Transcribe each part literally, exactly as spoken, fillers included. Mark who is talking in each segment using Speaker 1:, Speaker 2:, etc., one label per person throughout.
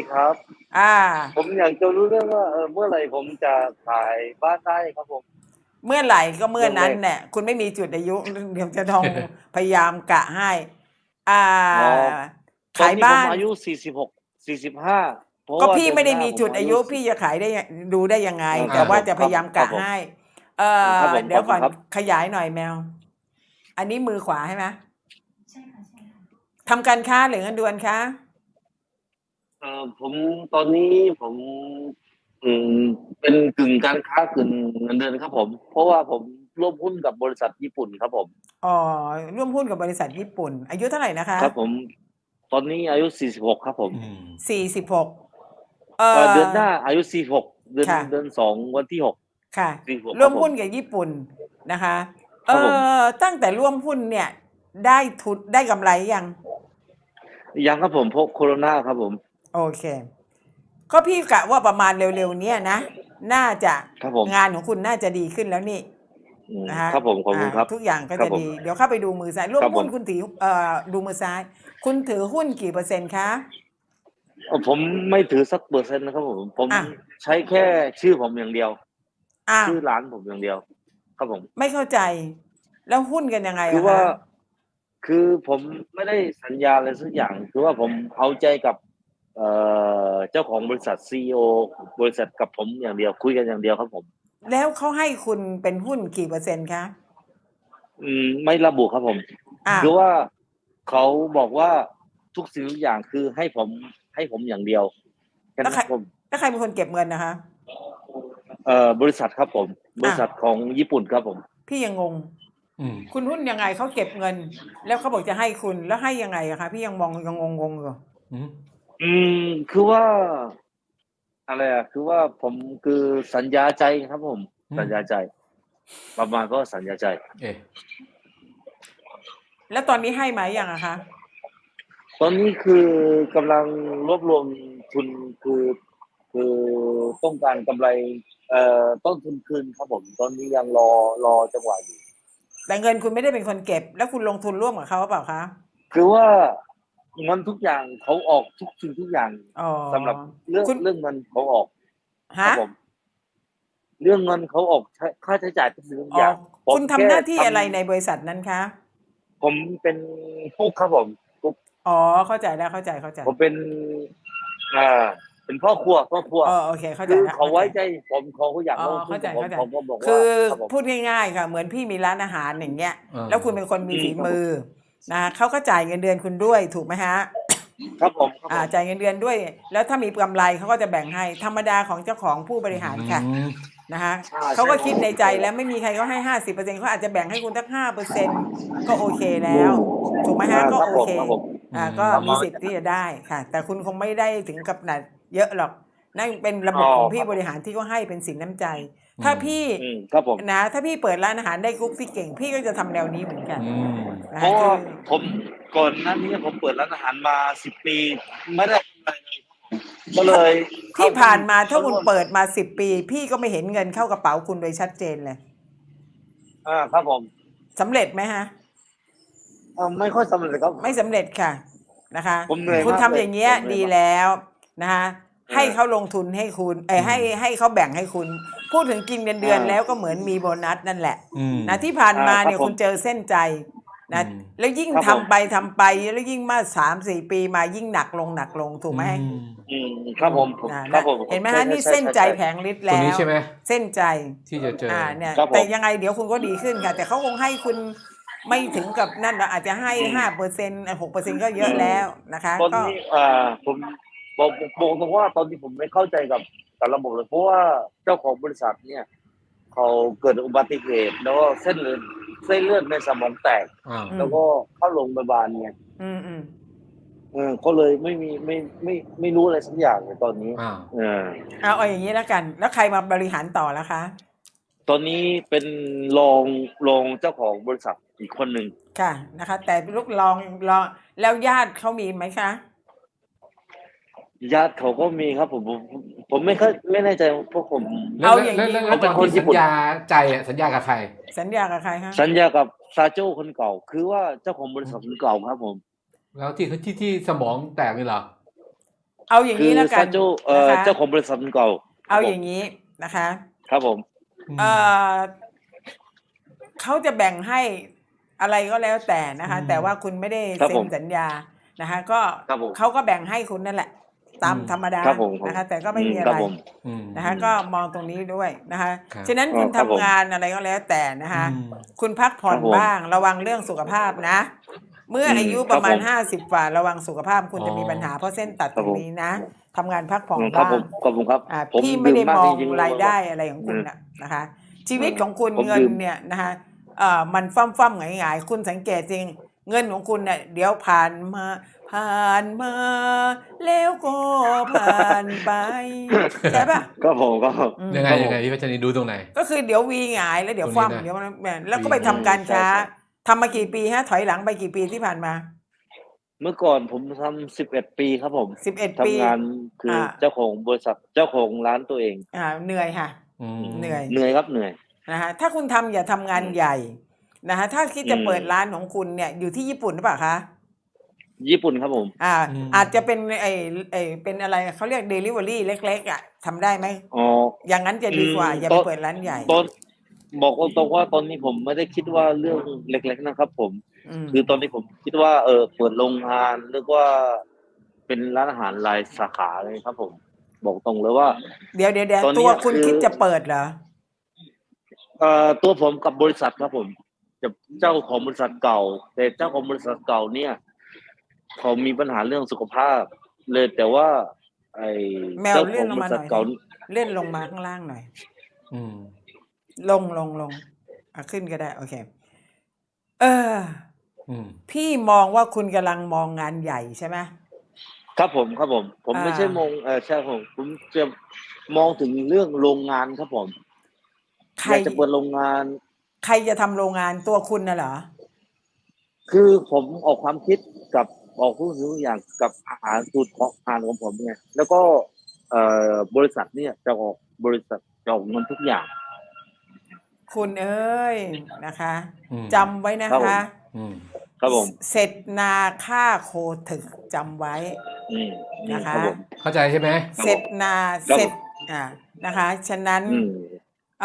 Speaker 1: ครับ
Speaker 2: อ่า
Speaker 1: ผมอยากจะรู้เรื่องว่าเออเมื่อไหร่ผมจะขายบ้านได้ครับผม
Speaker 2: เมื่อไหร่ก็เมื่อ
Speaker 1: เรื่องแร
Speaker 2: นั้น
Speaker 1: ก
Speaker 2: เนี่ยคุณไม่มีจุดอายุเดี๋ยวจะต้องพยายามกะให้ อ่า
Speaker 1: อ๋อตอนนี้ผม
Speaker 2: ขายบ้าน
Speaker 1: อายุสี่สิบหกสี่สิบห้าเพราะ
Speaker 2: ก็
Speaker 1: ว่า
Speaker 2: พี่ไม่ได้
Speaker 1: เดือนหน้า
Speaker 2: มีจุดอา
Speaker 1: ผมอายุสิ
Speaker 2: ยุพี่จะขายได้ยังดูได้ยังไง
Speaker 1: เออค
Speaker 2: แต่
Speaker 1: รับผมครับ
Speaker 2: ว่าจะพยายาม
Speaker 1: ครับผม
Speaker 2: กะให้ เอ่
Speaker 1: ครับ
Speaker 2: อ
Speaker 1: ผมข
Speaker 2: เดี๋ยวก่อน
Speaker 1: อบคุณครับ
Speaker 2: ขยายหน่อยแมว อันนี้มือขวาใช่ไหม
Speaker 3: ใช่ค่ะใช่ค่ะ
Speaker 2: ทำการค้าหรือเงินเดือนคะ
Speaker 1: เออผมตอนนี้ผมอืมเป็นกึ่งการค้ากึ่งเงินเดือนครับผมเพราะว่าผมร่วมหุ้นกับบริษัทญี่ปุ่นครับผม
Speaker 2: อ๋อร่วมหุ้นกับบริษัทญี่ปุ่น อายุเท่าไหร่นะคะ
Speaker 1: ครับผมตอนนี้อายุสี่สิบหกครับผม
Speaker 4: อืม
Speaker 2: สี่สิบหกเอ่
Speaker 1: เออเดื
Speaker 2: อ
Speaker 1: อนหน้าอายุสี่สิบหกเดือน
Speaker 2: ค่ะ
Speaker 1: เดือนสองวันที่หก
Speaker 2: ค่ะ
Speaker 1: สี่สิบหกค
Speaker 2: ร่วม
Speaker 1: รับผม
Speaker 2: หุ้นกับญี่ปุ่นนะคะ
Speaker 1: ค
Speaker 2: เอ่
Speaker 1: รับผม
Speaker 2: อตั้งแต่ร่วมหุ้นเนี่ยได้ทุนได้กำไรยัง
Speaker 1: ยังครับผมเพราะโคโรนาครับผม
Speaker 2: โอเคก็พี่กะว่าประมาณเร็วๆเนี้ยนะ น่าจะ
Speaker 1: ครับผม
Speaker 2: งานของคุณน่าจะดีขึ้นแล้วนี่
Speaker 1: อืม
Speaker 2: นะคะ
Speaker 1: ครับผมขอบ
Speaker 2: อ่า
Speaker 1: คุณครับ
Speaker 2: ทุกอย่างก็
Speaker 1: ครับผม
Speaker 2: จะดี เดี๋ยวเข้าไปดูมือซ้ายร่ว
Speaker 1: ครับผม
Speaker 2: มหุ้นคุณถือเอ่อดูมือซ้าย คุณถือหุ้นกี่เปอร์เซ็นต์คะ
Speaker 1: เอ่อผมไม่ถือสักเปอร์เซ็นต์นะครับผมผม
Speaker 2: อ่ะ
Speaker 1: ใช้แค่ชื่อผมอย่างเดียว
Speaker 2: อ่ะ
Speaker 1: ชื่อร้านผมอย่างเดียว ครับผม
Speaker 2: ไม่เข้าใจ แล้วหุ้นกันยังไง
Speaker 1: คือ
Speaker 2: อะ
Speaker 1: ว่า
Speaker 2: คะ
Speaker 1: คือผมไม่ได้สัญญาอะไรสักอย่าง คือว่าผมเอาใจกับ เอ่อเจ้าของบริษัทซีอีโอบริษัทกับผมอย่างเดียวคุยกันอย่างเดียวครับผม
Speaker 2: แล้วเขาให้คุณเป็นหุ้นกี่เปอร์เซ็นต์คะ
Speaker 1: อืมไม่ระบุครับผม
Speaker 2: อ่ะ
Speaker 1: คือว่าเขาบอกว่าทุกสิ่งทุกอย่างคือให้ผมให้ผมอย่างเดียวแค่
Speaker 2: แล้ว
Speaker 1: นั้น
Speaker 2: ใคร
Speaker 1: ครับผม
Speaker 2: แล้วใครเป็นคนเก็บเงินนะคะ
Speaker 1: เอ่อบริษัทครับผม บริษัทของญี่ปุ่นครับผม
Speaker 2: พี่ยังงง
Speaker 4: อืม
Speaker 2: คุณหุ้นยังไงเขาเก็บเงิน แล้วเขาบอกจะให้คุณแล้วให้ยังไงอะคะพี่ยังมองยังงงๆอยู่
Speaker 4: อืม
Speaker 1: อืมคือว่า อะไรอ่ะ คือว่าผมคือสัญญาใจครับผม
Speaker 4: อืม
Speaker 1: สัญญาใจ ประมาณก็สัญญาใจ
Speaker 4: เอ๊ะ
Speaker 2: แล้วตอนนี้ให้ไหมยังอะคะ
Speaker 1: ตอนนี้คือกำลังรวบรวมทุนคือ คือต้องการกำไร เอ่อต้นทุนคืนครับผม ตอนนี้ยังรอรอจังหวะอยู่
Speaker 2: แต่เงินคุณไม่ได้เป็นคนเก็บ แล้วคุณลงทุนร่วมกับเขาหรือเปล่าคะ
Speaker 1: คือว่าเงินทุกอย่างเขาออกทุกสิ่งทุกอย่าง
Speaker 2: อ๋อ
Speaker 1: สำหรับเรื่อง
Speaker 2: คุณ
Speaker 1: เรื่องเงินเขาออกครั
Speaker 2: ฮะ
Speaker 1: บผม เรื่องเงินเขาออกใช้ค่าใช้จ่ายทุกสิ่งทุก
Speaker 2: อ๋
Speaker 1: อ
Speaker 2: อย่าง
Speaker 1: ผม
Speaker 2: คุณทำ
Speaker 1: แค่
Speaker 2: หน้าที่
Speaker 1: ทำ
Speaker 2: อะไรในบริษัทนั้นคะ
Speaker 1: ผมเป็นกุ๊กครับผมกุ๊ก
Speaker 2: อ๋อเข้าใจแล้วเข้าใจเข้าใจ
Speaker 1: ผมเป็น อ่า เป็นพ่อครัวพ่อครัว
Speaker 2: อ๋อโอเคเข้าใจ
Speaker 1: คือ
Speaker 2: แล้ว
Speaker 1: เขา
Speaker 2: เข้า
Speaker 1: ไว้
Speaker 2: ใจ
Speaker 1: ใจผมเขาก็อยาก
Speaker 2: อ๋อ
Speaker 1: ลงทุน
Speaker 2: เข้าใจ
Speaker 1: กับผม
Speaker 2: เข้าใจ
Speaker 1: ผมก็บอก
Speaker 2: คื
Speaker 1: ว่า
Speaker 2: อ
Speaker 1: ครับผม
Speaker 2: พูดง่ายๆค่ะเหมือนพี่มีร้านอาหารอย่างเงี้ย
Speaker 4: เออ
Speaker 2: แล้วคุณเป็นคนมี
Speaker 1: อืม
Speaker 2: ฝี
Speaker 1: ครับผม
Speaker 2: มือนะเขาก็จ่ายเงินเดือนคุณด้วยถูกไหมฮะ
Speaker 1: ครับผมครับผ
Speaker 2: อ่าม จ่ายเงินเดือนด้วย แล้วถ้ามีกำไรเขาก็จะแบ่งให้ธรรมดาของเจ้าของผู้บริหารค่ะ
Speaker 4: อืม
Speaker 2: นะคะ
Speaker 1: ใช่
Speaker 2: เขาก็
Speaker 1: ใช่
Speaker 2: คิดในใจแล้วไม่มีใครเขาให้ห้าสิบเปอร์เซ็นต์เขาอาจจะแบ่งให้คุณสักห้าเปอร์เซ็นต์ก็โอเคแล้
Speaker 1: อื
Speaker 2: ว
Speaker 1: ม
Speaker 2: ถูกไหม
Speaker 1: อ่า
Speaker 2: ฮะก็
Speaker 1: ครับ
Speaker 2: โอ
Speaker 1: ผม
Speaker 2: เค
Speaker 1: ครับผม
Speaker 2: อ่าก็
Speaker 1: ประ
Speaker 2: มี
Speaker 1: มาณ
Speaker 2: สิทธิ์ที่จะได้ค่ะ แต่คุณคงไม่ได้ถึงกับขนาดเยอะหรอกนั่นเป็นระบบ
Speaker 1: อ๋อ
Speaker 2: ของพี่
Speaker 1: ครับ
Speaker 2: บริหารที่เขาให้เป็นสินน้ำใจ ถ้า
Speaker 4: อืม
Speaker 2: พี่
Speaker 1: อืมครับผม
Speaker 2: นะถ้าพี่เปิดร้านอาหารได้กุ๊กที่เก่ง พี่ก็จะทำแนวนี้เหมือนกัน
Speaker 4: อืม
Speaker 2: นะ
Speaker 1: เพ
Speaker 2: คะ
Speaker 1: ราะ
Speaker 2: คื
Speaker 1: ว่า
Speaker 2: อ
Speaker 1: ผมก่อนหน้านี้ผมเปิดร้านอาหารมาสิบปี ไม่ได้กำไรเลยก็เลยเข้า
Speaker 2: ที่
Speaker 1: หุ้
Speaker 2: ผ่านมาถ้า
Speaker 1: เข้า
Speaker 2: คุ
Speaker 1: ร่
Speaker 2: ณ
Speaker 1: วม
Speaker 2: เปิดมาสิบปี พี่ก็ไม่เห็นเงินเข้ากระเป๋าคุณโดยชัดเจนเลย
Speaker 1: อาครับผม
Speaker 2: สำเร็จไหมคะ
Speaker 1: เอ่อไม่ค่อยสำเร็จครับ
Speaker 2: ไม่สำเร็จค่ะนะคะ
Speaker 1: ผมเหนื่อย
Speaker 2: คุณ
Speaker 1: มาก
Speaker 2: ทำ
Speaker 1: เล
Speaker 2: อย ย่างเงี้ย
Speaker 1: ผมเหนื่อย
Speaker 2: ดี
Speaker 1: มาก
Speaker 2: แล้วนะคะ
Speaker 1: เอ
Speaker 2: ให้
Speaker 1: อ
Speaker 2: เขาลงทุนให้คุณ เอ
Speaker 4: อื
Speaker 2: อให้
Speaker 4: ม
Speaker 2: ให้เขาแบ่งให้คุณ พูดถึงกินเงินเดือน
Speaker 1: อา
Speaker 2: แล้วก็เหมือนมีโบนัสนั่นแหละ
Speaker 4: อืม
Speaker 2: นะที่ผ่าน
Speaker 1: อา
Speaker 2: มา
Speaker 1: ครั
Speaker 2: เนี่
Speaker 1: บ
Speaker 2: ย
Speaker 1: ผ
Speaker 2: คุ
Speaker 1: ม
Speaker 2: ณเจอเส้นใจ
Speaker 4: อื
Speaker 2: นะ
Speaker 4: ม
Speaker 2: แล้วยิ่ง
Speaker 1: ครับ
Speaker 2: ทำ
Speaker 1: ผม
Speaker 2: ไปทำไปแล้วยิ่งมาสามสี่ปีมายิ่งหนักลงหนักลงถูก
Speaker 4: อื
Speaker 2: ไหม
Speaker 4: ม
Speaker 1: อืมครับผมผม
Speaker 2: น่ะ
Speaker 1: ครั
Speaker 2: นะ
Speaker 1: บผม
Speaker 2: เห็นไหม
Speaker 1: ใช่
Speaker 2: ฮะนี่
Speaker 1: ใช่
Speaker 2: เส้น
Speaker 1: ใช่
Speaker 2: ใจ
Speaker 1: ใช่
Speaker 2: แผงฤทธิ์
Speaker 4: ตัว
Speaker 2: แล้
Speaker 4: นี้
Speaker 2: ว
Speaker 4: ใช่ไหม
Speaker 2: เส้นใจ
Speaker 4: ที่จะเจอ
Speaker 2: อ่าเนี่ย
Speaker 1: ครับผ
Speaker 2: แต่
Speaker 1: ม
Speaker 2: ยังไงเดี๋ยวคุณก็ดีขึ้นค่ะ แต่เขาคงให้คุณไม่ถึงกับนั่นหรอกอาจจะให้
Speaker 1: อืม
Speaker 2: ห้าเปอร์เซ็นต์หกเปอร์เซ็นต์ก็เย
Speaker 1: อื
Speaker 2: อะ
Speaker 1: ม
Speaker 2: แล้วนะคะ
Speaker 1: ตอน
Speaker 2: ก็
Speaker 1: นี้อ่าผมบอกบอกตรงว่าตอนนี้ผมไม่เข้าใจกับกับระบบเลย เพราะว่าเจ้าของบริษัทเนี่ย เขาเกิดอุบัติเหตุ แล้วก็เส้นเลือดเส้นเลือดในสมองแตก
Speaker 4: อ้าว
Speaker 2: อื
Speaker 1: แล้ว
Speaker 2: ม
Speaker 1: ก็เข้าโรงพยาบาลไง
Speaker 2: อืมอืม
Speaker 1: เออก็เลยไม่มีไม่ไม่ไม่รู้อะไรสักอย่างเลยตอนนี้
Speaker 4: อ้าว
Speaker 1: เออ
Speaker 2: เอาเอาอย่างนี้แล้วกัน แล้วใครมาบริหารต่อแล้วคะ
Speaker 1: ตอนนี้เป็นรองรองเจ้าของบริษัทอีกคนหนึ่ง
Speaker 2: ค่ะนะคะ แต่ลูกลองรองแล้วญาติเขามีไหมคะ
Speaker 1: ญาติเขาก็มีครับผมผมผมไม่ค่อยไม่แน่ใจเพราะผม
Speaker 4: แล้ว
Speaker 2: เอา
Speaker 4: แล้ว
Speaker 2: อย่าง
Speaker 4: แล้ว
Speaker 2: นี้
Speaker 4: แล้ว
Speaker 1: เขา
Speaker 4: ต
Speaker 1: เป็
Speaker 4: อน
Speaker 1: นคน
Speaker 4: ที่
Speaker 1: ญี่
Speaker 4: สัญ
Speaker 1: ปุ่น
Speaker 4: ญาใจอะสัญญากับใคร
Speaker 2: สัญญากับใครคะ
Speaker 1: สัญญากับซาโจ้คนเก่า คือว่าเจ้าของบริษัทคนเก่าครับผม
Speaker 4: แล้วที่ที่ที่สมองแตกนี่เหรอ
Speaker 2: เอาอย่าง
Speaker 1: คื
Speaker 2: นี้
Speaker 1: อ
Speaker 2: แล้วกั
Speaker 1: ซาน โจเอ่อ
Speaker 2: นะคะ
Speaker 1: เจ้าของบริษัทเก่าค
Speaker 2: เอา
Speaker 1: รับผ
Speaker 2: อ
Speaker 1: ม
Speaker 2: ย่างนี้นะคะ
Speaker 1: ครับผม
Speaker 4: อื
Speaker 2: เอ่
Speaker 4: ม
Speaker 2: อ เขาจะแบ่งให้อะไรก็แล้วแต่นะ
Speaker 4: อื
Speaker 2: คะ แต่
Speaker 4: ม
Speaker 2: ว่าคุณไม่ได้
Speaker 1: ครับ
Speaker 2: เซ็
Speaker 1: ผ
Speaker 2: น
Speaker 1: ม
Speaker 2: สัญญานะคะ ก็
Speaker 1: ครับผม
Speaker 2: เขาก็แบ่งให้คุณนั่นแหละ ตา
Speaker 4: อื
Speaker 2: ม
Speaker 4: ม
Speaker 2: ธรรมดา
Speaker 1: ครับผม
Speaker 2: นะคะ แต่ก็
Speaker 1: อื
Speaker 2: ไม่
Speaker 1: ม
Speaker 2: มีอะ
Speaker 1: ครั
Speaker 2: ไร
Speaker 1: บผม
Speaker 4: อืม
Speaker 2: นะคะ
Speaker 1: อื
Speaker 2: ก็
Speaker 1: ม
Speaker 2: มองตรงนี้ด้วยนะคะ
Speaker 4: ครับ
Speaker 2: ฉะนั้น
Speaker 1: อ๋
Speaker 2: คุ
Speaker 1: อ
Speaker 2: ณ
Speaker 1: ครั
Speaker 2: ทำ
Speaker 1: บผม
Speaker 2: งานอะไรก็แล้วแต่นะ
Speaker 4: อื
Speaker 2: คะ
Speaker 4: ม
Speaker 2: คุณพักผ่
Speaker 1: ค
Speaker 2: อ
Speaker 1: รั
Speaker 2: น
Speaker 1: บผม
Speaker 2: บ้าง ระวังเรื่องสุขภาพนะ เมื่อ
Speaker 1: อื
Speaker 2: อาม ยุ
Speaker 1: ค
Speaker 2: ป
Speaker 1: รั
Speaker 2: ร
Speaker 1: บ
Speaker 2: มา
Speaker 1: ผ
Speaker 2: ณ
Speaker 1: ม
Speaker 2: ห้าสิบ กว่า ระวังสุขภาพ คุ
Speaker 4: อ๋
Speaker 2: ณ
Speaker 4: อ
Speaker 2: จะมีปัญหา เพราะเส้นตัด
Speaker 1: ค
Speaker 2: ต
Speaker 1: รั
Speaker 2: ร
Speaker 1: บ
Speaker 2: ง
Speaker 1: ผม
Speaker 2: นี้นะ ทำงานพักผ่อ
Speaker 1: อื
Speaker 2: น
Speaker 1: ม ครับ
Speaker 2: บ้า
Speaker 1: ผ
Speaker 2: ง
Speaker 1: ม ขอบคุณครับ
Speaker 2: อ่า
Speaker 1: ผม
Speaker 2: พี่ไม
Speaker 1: ดื่
Speaker 2: ่
Speaker 1: ม
Speaker 2: ได้
Speaker 1: มาก
Speaker 2: มอ
Speaker 1: จ
Speaker 2: ง
Speaker 1: ริง ๆ
Speaker 2: ราย
Speaker 1: ว่า
Speaker 2: ได้อะไรของ
Speaker 1: อื
Speaker 2: คุณ
Speaker 1: ม
Speaker 2: น่ะนะคะ ชี
Speaker 1: อื
Speaker 2: วิต
Speaker 1: ม
Speaker 2: ของคุณ
Speaker 1: ผม
Speaker 2: เงิ
Speaker 1: ด
Speaker 2: นื่
Speaker 1: ม
Speaker 2: เนี่ยนะคะ เอ่อ มันฟ่ำๆหงาย ๆ คุณสังเกตสิ เงินของคุณน่ะ เดี๋ยวผ่านมา ผ่านมา แล้วก็ผ่านไป ใช่เปล่า?
Speaker 1: ครับผม ครับผม
Speaker 2: อืม
Speaker 4: ยังไง
Speaker 1: ครับผ
Speaker 4: ยังไง
Speaker 1: ม
Speaker 4: พี่พัชรีดูตรงไหน?
Speaker 2: ก็คือเดี๋ยว V หงาย แล้วเดี๋
Speaker 4: ต
Speaker 2: ยว
Speaker 4: รง
Speaker 2: ฟ
Speaker 4: นี้นะ
Speaker 2: เดี๋ยว แหม แล้ว
Speaker 4: V
Speaker 2: ก็ไป
Speaker 4: ห
Speaker 2: ทำการ
Speaker 1: ใช
Speaker 2: ค้า
Speaker 1: ่ ๆ
Speaker 2: ทำมากี่ปีคะ ถอยหลังไปกี่ปีที่ผ่านมา?
Speaker 1: เมื่อก่อนผมทำ สิบเอ็ด ปีครับผม
Speaker 2: สิบเอ็ด
Speaker 1: ท
Speaker 2: ปี
Speaker 1: ำงาน คื
Speaker 2: อ่
Speaker 1: อเจ้าของบริษัท เจ้าของร้านตัวเอง
Speaker 2: อ่า เหนื่อยค่ะ
Speaker 4: อื
Speaker 1: อืม
Speaker 2: เหนื่อย
Speaker 1: เหนื่อยครับ เหนื่อย
Speaker 2: นะคะ ถ้าคุณทำอย่าทำงา
Speaker 1: อืม
Speaker 2: นใหญ่นะคะ ถ้าคิด
Speaker 1: อื
Speaker 2: จะเปิด
Speaker 1: ม
Speaker 2: ร้านของคุณเนี่ย อยู่ที่ญี่ปุ่นหรือเปล่าคะ?
Speaker 1: ญี่ปุ่นครับผม
Speaker 2: อ่า
Speaker 4: อืม
Speaker 2: อาจจะเป็นไอ้ ไอ้ เป็นอะไร เขาเรียกดิลิเวอรีเล็ก ๆ อะ ทำได้ไหม?
Speaker 1: อ๋อ
Speaker 2: อย่างงั้นจะ
Speaker 1: อื
Speaker 2: ดีกว่า
Speaker 1: ม
Speaker 2: อย่า
Speaker 1: ต
Speaker 2: ไปเปิดร้านใหญ่
Speaker 1: ตอน บอกตรง ๆ ว่า ตอนนี้ผมไม่ได้คิดว่า เรื่องเล็ก ๆ นะครับผม
Speaker 2: อืม
Speaker 1: คือตอนนี้ผมคิดว่า เอ่อ เปิดโรงงาน เรียกว่า เป็นร้านอาหารรายสาขาเลยครับผม บอกตรงเลยว่า
Speaker 2: เดี๋ยว ๆ ๆ
Speaker 1: ตอนเ
Speaker 2: ต
Speaker 1: นัี้ย
Speaker 2: วคุณ
Speaker 1: คือ
Speaker 2: คิดจะเปิดเหรอ?
Speaker 1: เอ่อ ตัวผมกับบริษัทครับผม กับเจ้าของบริษัทเก่า แต่เจ้าของบริษัทเก่าเนี่ย เขามีปัญหาเรื่องสุขภาพเลย แต่ว่า ไอ้
Speaker 2: แม
Speaker 1: เจ
Speaker 2: ว
Speaker 1: ้า
Speaker 2: เล
Speaker 1: ขื่องบร
Speaker 2: อนลงมิา
Speaker 1: ษ
Speaker 2: หัน
Speaker 1: ท่
Speaker 2: อย
Speaker 1: เก่า
Speaker 2: สิ เลื่อนลงมาข้างล่างหน่อย
Speaker 4: อืม
Speaker 2: ลง ลง ๆ อะ ขึ้นก็ได้ โอเค เออ
Speaker 4: อืม
Speaker 2: พี่มองว่า คุณกำลังมองงานใหญ่ใช่ไหม?
Speaker 1: ครับผม ครับผม ผม
Speaker 2: อ
Speaker 1: ไม่ใช่ม
Speaker 2: า
Speaker 1: อง เอ่อ ใช่ครับผม ผมจะมองถึงเรื่องโรงงานครับผม
Speaker 2: ใคร
Speaker 1: อยากจะเปิดโรงงาน
Speaker 2: ใครจะทำโรงงาน ตัวคุณน่ะเหรอ?
Speaker 1: คือผมออกความคิดกับ ออกทุกสิ่งทุกอย่างกับอาหารสูตรของ อาหารของผมไง แล้วก็ เอ่อ บริษัทเนี่ยจะออก บริษัทจะออกเงินทุกอย่าง
Speaker 2: คุณเอ๊ย นะคะ
Speaker 4: อืม
Speaker 2: จำไว้นะครับ
Speaker 1: ผ
Speaker 2: คะ
Speaker 4: อืม
Speaker 1: ครับผ
Speaker 2: ส
Speaker 1: ม
Speaker 2: เสร็จนาฆ่าโคถึก จำไว้
Speaker 1: อืม อื
Speaker 2: น
Speaker 1: ม
Speaker 2: ะค
Speaker 1: ครับ
Speaker 2: ะ
Speaker 1: ผม
Speaker 4: เข้าใจใช่ไหม?
Speaker 1: ครับ
Speaker 2: เสร็
Speaker 1: ผม
Speaker 2: จนา
Speaker 1: ครับ
Speaker 2: เสร็จ
Speaker 1: ผม
Speaker 2: อ่า นะคะ ฉะนั้น
Speaker 1: อืม
Speaker 2: อา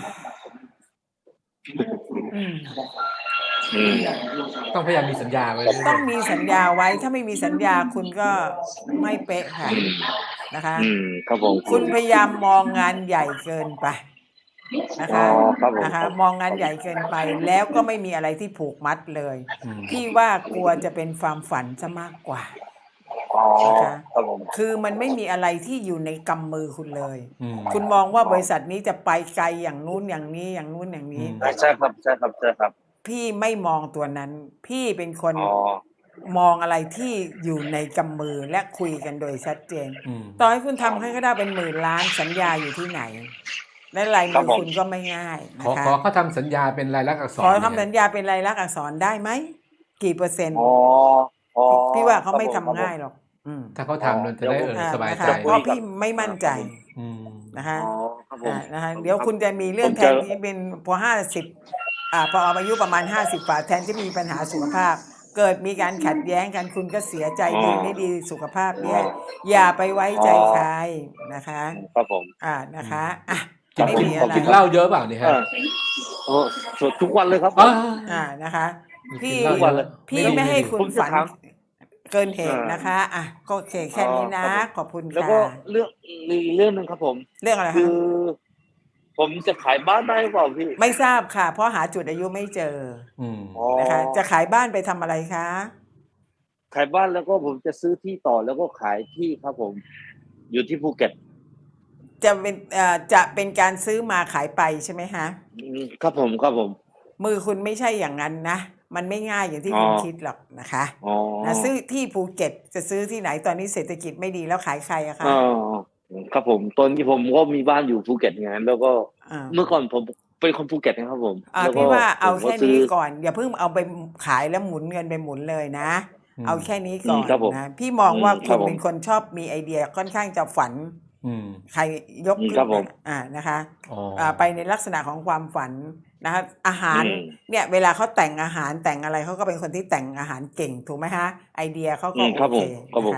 Speaker 2: อืม
Speaker 1: อืม
Speaker 4: ต้องพยายามมีสัญญาไว้เรื่
Speaker 2: ต้อ
Speaker 4: อย
Speaker 2: งมีสัญ
Speaker 4: ๆ
Speaker 2: ญาไว้ ถ้าไม่มีสัญญาคุณก็ไม่เป๊ะค่ะ
Speaker 1: อืม
Speaker 2: นะคะ
Speaker 1: อืม ครับผม
Speaker 2: คุณพยายามมองงานใหญ่เกินไป นะ
Speaker 1: อ๋
Speaker 2: ค
Speaker 1: อ
Speaker 2: ะ
Speaker 1: ครับผม
Speaker 2: นะคะ
Speaker 1: ครับ
Speaker 2: มองงา
Speaker 1: ค
Speaker 2: นใหญ่เกินไป แล้วก็ไม่มีอะไรที่ผูกมัดเลย
Speaker 4: อืม
Speaker 2: พี่ว่ากลัวจะเป็นความฝันเสียมากกว่า
Speaker 1: อ๋อ
Speaker 2: นะคะ
Speaker 1: ครับผม
Speaker 2: คือมันไม่มีอะไรที่อยู่ในกำมือคุณเลย
Speaker 4: อืม
Speaker 2: คุณมองว่าบริษัทนี้จะไปไกลอย่างนู้นอย่างนี้ อย่างนู้นอย่างน
Speaker 4: อื
Speaker 2: ี้
Speaker 4: ม
Speaker 1: อา ใช่ครับ ใช่ครับ ใช่ครับ
Speaker 2: พี่ไม่มองตัวนั้น พี่เป็นคน
Speaker 1: อ๋อ
Speaker 2: มองอะไรที่อยู่ในกำมือ และคุยกันโดยชัดเจน
Speaker 4: อืม
Speaker 2: ต่อให้คุณทำให้เขาได้เป็น หมื่นล้าน สัญญาอยู่ที่ไหน และลาย
Speaker 1: คร
Speaker 2: มั
Speaker 1: บื
Speaker 2: อ
Speaker 1: ผม
Speaker 2: คุณก็ไม่ง่ายน
Speaker 4: ขอ
Speaker 2: ะค
Speaker 4: ขอ
Speaker 2: ะ
Speaker 4: เขาทำสัญญาเป็นลายลักษณ์อักษ
Speaker 2: ขอ
Speaker 4: ร
Speaker 2: ทำ
Speaker 4: เนี่
Speaker 2: สั
Speaker 4: ย
Speaker 2: ญญาเป็นลายลักษณ์อักษรได้ไหม? กี่เปอร์เซ็นต
Speaker 1: อ๋
Speaker 2: ์?
Speaker 1: อ อ๋อ
Speaker 2: พี่ว่าเขา
Speaker 1: ครับ
Speaker 2: ไม่
Speaker 1: ผม
Speaker 2: ทำ
Speaker 1: ครับผ
Speaker 2: ง่าย
Speaker 1: ม
Speaker 2: หรอก อืม
Speaker 4: ถ้าเขา
Speaker 1: อ๋อ
Speaker 4: ทำเราจะ
Speaker 1: เดี๋ยว
Speaker 4: ได้
Speaker 1: ผม
Speaker 4: เออ
Speaker 2: อา
Speaker 4: สบาย
Speaker 2: นะ
Speaker 4: ใจ
Speaker 2: คะ เพ
Speaker 1: คุ
Speaker 2: ราะ
Speaker 1: ย
Speaker 2: พ
Speaker 1: กั
Speaker 2: ี่
Speaker 1: บ
Speaker 2: ไม่
Speaker 1: อ
Speaker 2: มั่
Speaker 1: า
Speaker 2: น
Speaker 1: ค
Speaker 2: ใจ
Speaker 1: รับผม
Speaker 4: อืม
Speaker 2: นะคะ
Speaker 1: อ๋อ ครับผ
Speaker 2: อ่า
Speaker 1: ม
Speaker 2: นะคะ
Speaker 1: ผม
Speaker 2: เดี๋ยว
Speaker 1: ครับ
Speaker 2: คุณจะมีเรื่
Speaker 1: ผม
Speaker 2: องแท
Speaker 1: จะ
Speaker 2: นที่เป็น พอ ห้าสิบ อ่า พออายุประมาณ ห้าสิบ กว่า แทนที่มีปัญหาสุขภาพ เกิดมีการขัดแย้งกัน คุณก็เสียใจ
Speaker 1: อ๋อ
Speaker 2: ดีไม่ดี สุขภาพ
Speaker 1: อ๋
Speaker 2: แย่
Speaker 1: อ
Speaker 2: อย่าไปไว้
Speaker 1: อ๋อ
Speaker 2: ใจใครนะคะ
Speaker 1: ครับผม
Speaker 2: อ่า น
Speaker 4: อื
Speaker 2: ะ
Speaker 4: ม
Speaker 2: คะ อะ
Speaker 4: กิ
Speaker 2: ไม่
Speaker 4: กิน
Speaker 2: มี
Speaker 1: ข
Speaker 2: อ
Speaker 1: อบ
Speaker 2: ะไร
Speaker 4: กิน
Speaker 1: ค
Speaker 4: เห
Speaker 1: รั
Speaker 4: ล้า
Speaker 1: บ
Speaker 4: เยอะเปล่าเนี่ยค
Speaker 1: เอ
Speaker 4: รับ?
Speaker 1: อ โอ้ ส ทุกวันเลยครับผ
Speaker 4: อา
Speaker 1: ม
Speaker 2: อา นะคะ พ
Speaker 4: กิ
Speaker 2: ี่
Speaker 4: นเหล้า
Speaker 1: ทุก
Speaker 4: เย
Speaker 1: วัน
Speaker 4: อะ
Speaker 1: เลย
Speaker 2: พ
Speaker 4: ไม่
Speaker 2: ี่
Speaker 4: ดี
Speaker 2: ไม่
Speaker 4: ไม่
Speaker 2: ให้
Speaker 4: ดี
Speaker 2: คุ
Speaker 1: ผ
Speaker 2: ณ
Speaker 1: มจะ
Speaker 2: ฝัน
Speaker 1: ถาม
Speaker 2: เกินเห
Speaker 1: เอ
Speaker 2: ตุ
Speaker 1: อ
Speaker 2: นะคะ อะ ก็โอเค แค
Speaker 1: อ๋อ
Speaker 2: ่นี้น
Speaker 1: ครั
Speaker 2: ะ
Speaker 1: บผม
Speaker 2: ขอบคุณ
Speaker 1: แล้ว
Speaker 2: ค่
Speaker 1: ก็
Speaker 2: ะ
Speaker 1: เรื่อง มีอีกเรื่องหนึ่งครับผม
Speaker 2: เรื่องอะไร
Speaker 1: คื
Speaker 2: คะ?
Speaker 1: อ ผมจะขายบ้านได้หรือเปล่าพี่?
Speaker 2: ไม่ทราบค่ะ เพราะหาจุดอายุไม่เจอ
Speaker 4: อืม
Speaker 1: อ๋อ
Speaker 2: นะคะ จะขายบ้านไปทำอะไรคะ?
Speaker 1: ขายบ้าน แล้วก็ผมจะซื้อที่ต่อ แล้วก็ขายที่ครับผม อยู่ที่ภูเก็ต
Speaker 2: จะเป็น เอ่อ จะเป็นการซื้อมาขายไปใช่ไหมคะ?
Speaker 1: อืม ครับผม ครับผม
Speaker 2: มือคุณไม่ใช่อย่างงั้นนะ มันไม่ง่ายอย่างที่
Speaker 1: อ๋อ
Speaker 2: คุณคิดหรอกนะคะ
Speaker 1: อ๋อ
Speaker 2: นะ ซื้อที่ภูเก็ต จะซื้อที่ไหน ตอนนี้เศรษฐกิจไม่ดี แล้วขายใครอะค
Speaker 1: เอะ อ ครับผม ตอนนี้ผมก็มีบ้านอยู่ภูเก็ตไง แล้วก็
Speaker 2: อา
Speaker 1: เมื่อก่อนผมเป็นคนภูเก็ตนะครับผม
Speaker 2: อ่า
Speaker 1: แล้ว
Speaker 2: พ
Speaker 1: ก็
Speaker 2: ี่ว่าเ
Speaker 1: ผ
Speaker 2: อา
Speaker 1: ม
Speaker 2: แค
Speaker 1: ก็
Speaker 2: ่
Speaker 1: ซื
Speaker 2: น้ี้
Speaker 1: อ
Speaker 2: ก่อน อย่าเพิ่งเอาไป ม ขายแล้วหมุนเงินไปหมุนเลยนะ
Speaker 4: อื
Speaker 2: เอา
Speaker 4: ม
Speaker 2: แค่นี้
Speaker 1: อื
Speaker 2: ก่
Speaker 1: ม
Speaker 2: อน
Speaker 1: ครับผม
Speaker 2: นะ พี่มอง
Speaker 1: อืม
Speaker 2: ว่า
Speaker 1: ค
Speaker 2: ค
Speaker 1: รั
Speaker 2: ุ
Speaker 1: บ
Speaker 2: ณ
Speaker 1: ผ
Speaker 2: เป็
Speaker 1: ม
Speaker 2: นคนชอบมีไอเดีย ค่อนข้างจะฝัน
Speaker 4: อืม
Speaker 2: ใครยก
Speaker 1: อืม
Speaker 2: ขึ
Speaker 1: ค้รั
Speaker 2: น
Speaker 1: บผม
Speaker 2: อ่า นะคะ
Speaker 4: อ๋อ
Speaker 2: อ่า ไปในลักษณะของความฝันนะคะ อาหา
Speaker 1: อื
Speaker 2: ร
Speaker 1: ม
Speaker 2: เนี่ย เวลาเขาแต่งอาหาร แต่งอะไร เขาก็เป็นคนที่แต่งอาหารเก่ง ถูกไหมคะ? ไอเดียเขา
Speaker 1: อืม
Speaker 2: ก็โ
Speaker 1: ครับ
Speaker 2: อเ
Speaker 1: ผ
Speaker 2: ค
Speaker 1: ม ครับ
Speaker 2: นะค
Speaker 1: ผม
Speaker 2: ะ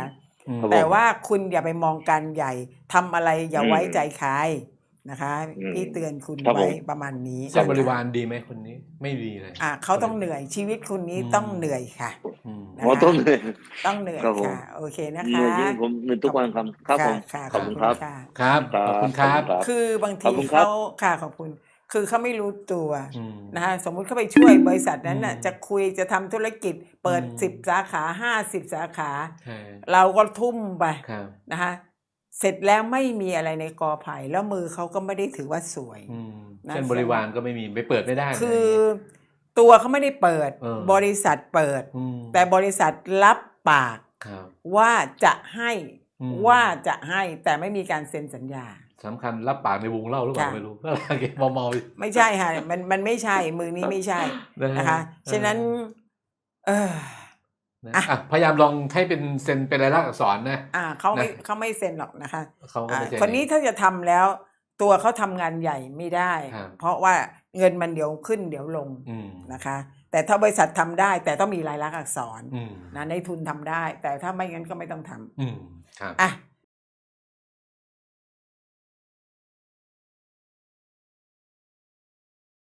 Speaker 4: อืม
Speaker 1: ครับผม
Speaker 2: แต่ว่าคุณอย่าไปมองการใหญ่ทำอะไรอย่า
Speaker 1: อืม
Speaker 2: ไว้ใจใครนะคะ
Speaker 1: อืม
Speaker 2: พี่เตือนคุณ
Speaker 1: ครับ
Speaker 2: ไว้
Speaker 1: ผม
Speaker 2: ประมาณนี้
Speaker 4: เส้นบริ
Speaker 2: นะคะ
Speaker 4: วารดีไหมคนนี้ไม่ดีเลย
Speaker 2: อ่ะเขาต้องเหนื่อยชีวิตคุณนี้
Speaker 4: อืม
Speaker 2: ต้องเหนื่อยค่ะ
Speaker 4: อืม
Speaker 2: นะคะ
Speaker 1: อ๋อต้องเลย
Speaker 2: ต้องเหนื่อย
Speaker 1: ครับผม
Speaker 2: ค่ะ โอเคนะ
Speaker 1: เห
Speaker 2: คะ
Speaker 1: นื่อยจริงผมเหนื่อยทุกวันครับครับผม
Speaker 2: ค่ะ
Speaker 1: ขอบคุณครับ
Speaker 2: ค่ะ
Speaker 4: ครับ
Speaker 1: ครับ
Speaker 4: ขอบคุณครับ
Speaker 1: ขอบคุณครับ
Speaker 2: คือบาง
Speaker 1: ขอบ
Speaker 2: ที
Speaker 1: คุณครับ
Speaker 2: เขาค่ะขอบคุณ คือเขาไม่รู้ตัว
Speaker 4: อืม
Speaker 2: นะคะสมมุติเขาไปช่วยบริษัทนั้นน่ะ
Speaker 4: อืม
Speaker 2: จะคุยจะทำธุรกิจเปิด
Speaker 4: อืม
Speaker 2: สิบสาขาห้าสิบสาขา
Speaker 4: ใช่
Speaker 2: เราก็ทุ่มไป
Speaker 4: ครับ
Speaker 2: นะคะ เสร็จแล้วไม่มีอะไรในกอไผ่แล้วมือเขาก็ไม่ได้ถือว่าสวย
Speaker 4: อืม
Speaker 2: นะ
Speaker 4: เส้นบริวารก็ไม่มีไปเปิดไม่ได้นะ
Speaker 2: คือตัวเขาไม่ได้เปิด
Speaker 4: เออ
Speaker 2: บริษัทเปิด
Speaker 4: อืม
Speaker 2: แต่บริษัทรับปาก
Speaker 4: ครับ
Speaker 2: ว่าจะให้
Speaker 4: อืม
Speaker 2: ว่าจะให้แต่ไม่มีการเซ็นสัญญา
Speaker 4: สำคัญรับปากในวงเล่าหรือเปล่า
Speaker 2: ค่ะ
Speaker 4: ไม่รู้อะไรเงี้ยเมาๆ
Speaker 2: ไม่ใช่ค่ะ มันมันไม่ใช่ มือนี้ไม่ใช่
Speaker 4: นะฮะ
Speaker 2: นะคะ
Speaker 4: เออ
Speaker 2: ฉะนั้น เออ
Speaker 4: นะ
Speaker 2: อ่ะ
Speaker 4: อ่ะพยายามลองให้เป็นเซ็นเป็นลายลักษณ์อักษรนะ
Speaker 2: อ่าเขาไม่
Speaker 4: นะ
Speaker 2: เขาไม่เซ็นหรอกนะคะ
Speaker 4: เขาก็
Speaker 2: อ่า
Speaker 4: ไม่เซ็น
Speaker 2: คนนี้ถ้าจะทำแล้ว ตัวเขาทำงานใหญ่ไม่ได้
Speaker 4: ครับ
Speaker 2: เพราะว่าเงินมันเดี๋ยวขึ้นเดี๋ยวลง
Speaker 4: อืม
Speaker 2: นะคะ แต่ถ้าบริษัททำได้ แต่ต้องมีลายลักษณ์อักษร
Speaker 4: อืม
Speaker 2: นะในทุนทำได้ แต่ถ้าไม่งั้นก็ไม่ต้องทำ
Speaker 4: อืมครับ
Speaker 2: อ่ะ